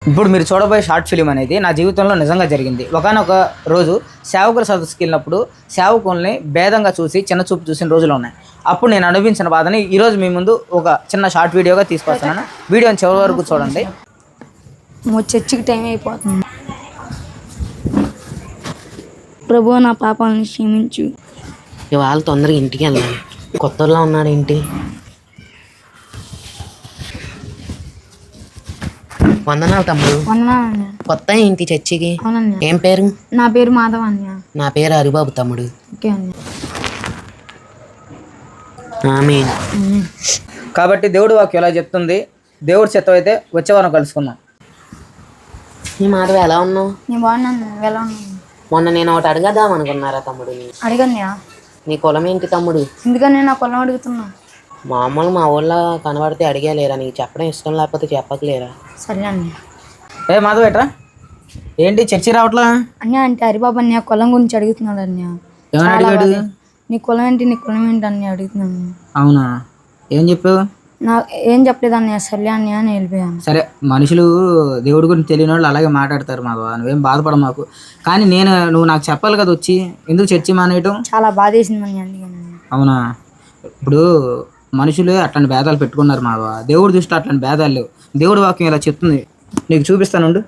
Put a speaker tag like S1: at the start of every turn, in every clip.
S1: ఇప్పుడు మీరు చూడబోయే షార్ట్ ఫిలిం అనేది నా జీవితంలో నిజంగా జరిగింది. ఒకానొక రోజు సేవకుల సదస్సుకి వెళ్ళినప్పుడు సేవకుల్ని భేదంగా చూసి చిన్న చూపు చూసిన రోజులు ఉన్నాయి. అప్పుడు నేను అనుభవించిన బాధని ఈరోజు మీ ముందు ఒక చిన్న షార్ట్ వీడియోగా తీసుకొస్తున్నాను. వీడియోని చివరి వరకు చూడండి.
S2: చర్చికి టైం అయిపోతుంది. ప్రభు నా పాపాలను క్షమించు.
S3: ఇవాళ తొందరగా ఇంటికి వెళ్ళాలి. కొత్తలో ఉన్నాడు ఏంటి? వందనాలు తమ్ముడు. కొత్త ఏంటి చర్చికి? ఏం పేరు?
S2: నా పేరు మాధవ్ అన్య.
S3: నా పేరు హరిబాబు తమ్ముడు.
S1: కాబట్టి దేవుడు వాక్యం ఎలా చెప్తుంది, దేవుడి చిత్తం అయితే వచ్చే వారం కలుసుకుందాం.
S3: నీ మాధవ్ ఎలా ఉన్నావు?
S2: నేను బాగున్నాను. ఎలా ఉన్నాను?
S3: మొన్న నేను ఒకటి అడగదాం అనుకున్నారా తమ్ముడు?
S2: అడిగన్యా.
S3: నీ కులం ఏంటి తమ్ముడు?
S2: ఎందుకని నా కులం అడుగుతున్నా?
S3: మామూలు మా ఊళ్ళో కనబడితే అడిగేలేరా? నీకు చెప్పడం ఇష్టం లేకపోతే చెప్పకలేరా?
S2: సరే అన్నయ్య.
S1: ఏ మాధవ్ ఎట్రా ఏంటి చర్చి రావట్లా?
S2: అన్య అంటే హరిబాబు అన్య కులం గురించి అడుగుతున్నాడు అన్య.
S1: ఏమని అడిగాడు?
S2: నీ కులం ఏంటి, నీ కులం ఏంటి అన్య అడుగుతున్నాను.
S1: అవునా, ఏం చెప్పావు?
S2: ఏం చెప్పలేదు అన్నయ్య. సరే అన్నయ్య అని వెళ్ళిపోయాను.
S1: సరే, మనుషులు దేవుడి గురించి తెలియని వాళ్ళు అలాగే మాట్లాడతారు మాధవ, నువ్వేం బాధపడ మాకు. కానీ నువ్వు నాకు చెప్పాలి కదా వచ్చి, ఎందుకు చర్చి మానేయటం?
S2: చాలా బాధ వేసింది అన్నయ్య, అందుకని.
S1: అవునా, ఇప్పుడు మనుషులు అట్లాంటి భేదాలు పెట్టుకున్నారు మాధవ. దేవుడి దృష్టి అట్లాంటి భేదాలు లేవు. దేవుడి వాక్యం ఇలా చెప్తుంది, నీకు చూపిస్తానుండు.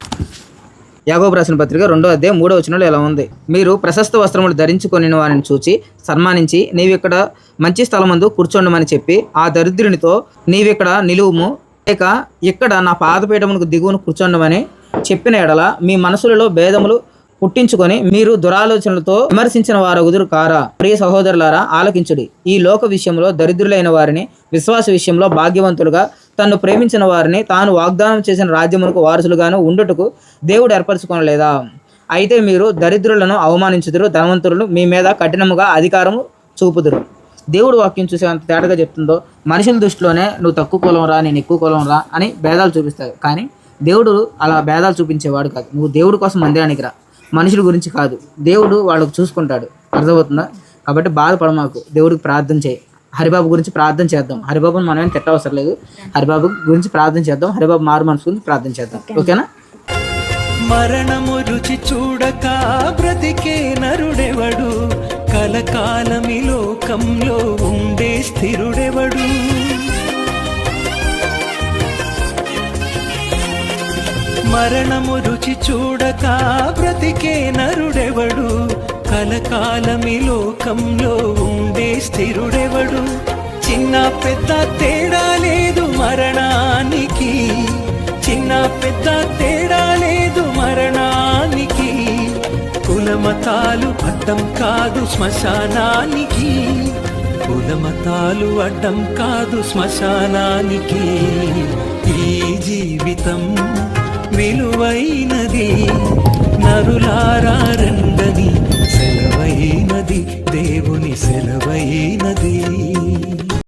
S1: యాకోబు రాసిన పత్రిక 2వ అధ్యాయం 3వ వచనంలో ఇలా ఉంది: మీరు ప్రశస్త వస్త్రములు ధరించుకొని వారిని చూచి సన్మానించి నీవిక్కడ మంచి స్థలమందు కూర్చోండమని చెప్పి ఆ దరిద్రునితో నీవిక్కడ నిలువుము, లేక ఇక్కడ నా పాదపీఠమునకు దిగువను కూర్చోండమని చెప్పిన ఎడల మీ మనసులలో భేదములు పుట్టించుకొని మీరు దురాలోచనలతో విమర్శించిన వారగుదురు కారా? ప్రియ సహోదరులారా, ఆలకించుడి. ఈ లోక విషయంలో దరిద్రులైన వారిని విశ్వాస విషయంలో భాగ్యవంతులుగా, తన్ను ప్రేమించిన వారిని తాను వాగ్దానం చేసిన రాజ్యమునకు వారసులుగాను ఉండుటకు దేవుడు ఏర్పరచుకోనలేదా? అయితే మీరు దరిద్రులను అవమానించుదురు, ధనవంతులను మీ మీద కఠినముగా అధికారము చూపుదురు. దేవుడు వాక్యం చూసే అంత తేటగా చెప్తుందో, మనుషుల దృష్టిలోనే నువ్వు తక్కువ కులం రా, నేను ఎక్కువ కులం రా అని భేదాలు చూపిస్తాడు. కానీ దేవుడు అలా భేదాలు చూపించేవాడు కాదు. నువ్వు దేవుడి కోసం మందిరానికి రా, మనుషుల గురించి కాదు. దేవుడు వాళ్ళకు చూసుకుంటాడు. అర్థమవుతుందా? కాబట్టి బాధపడమాకు, దేవుడికి ప్రార్థన చేయి. హరిబాబు గురించి ప్రార్థన చేద్దాం. హరిబాబుని మనం ఏం తిట్టవసరం లేదు. హరిబాబు గురించి ప్రార్థన చేద్దాం. హరిబాబు మారు మనసు గురించి ప్రార్థన చేద్దాం. ఓకేనా?
S4: మరణము రుచి చూడక బ్రతికే నరుడెవడు, కలకాలమి లోకంలో ఉండే స్థిరుడెవడు. మరణము రుచి చూడక బ్రతికే నరుడెవడు, కలకాలమి లోకంలో ఉండే స్థిరుడెవడు. చిన్న పెద్ద తేడా లేదు మరణానికి, చిన్న పెద్ద తేడా లేదు మరణానికి. కులమతాలు అడ్డం కాదు శ్మశానానికి, కులమతాలు అడ్డం కాదు శ్మశానానికి. ఈ జీవితం విలువైనది, నరులారా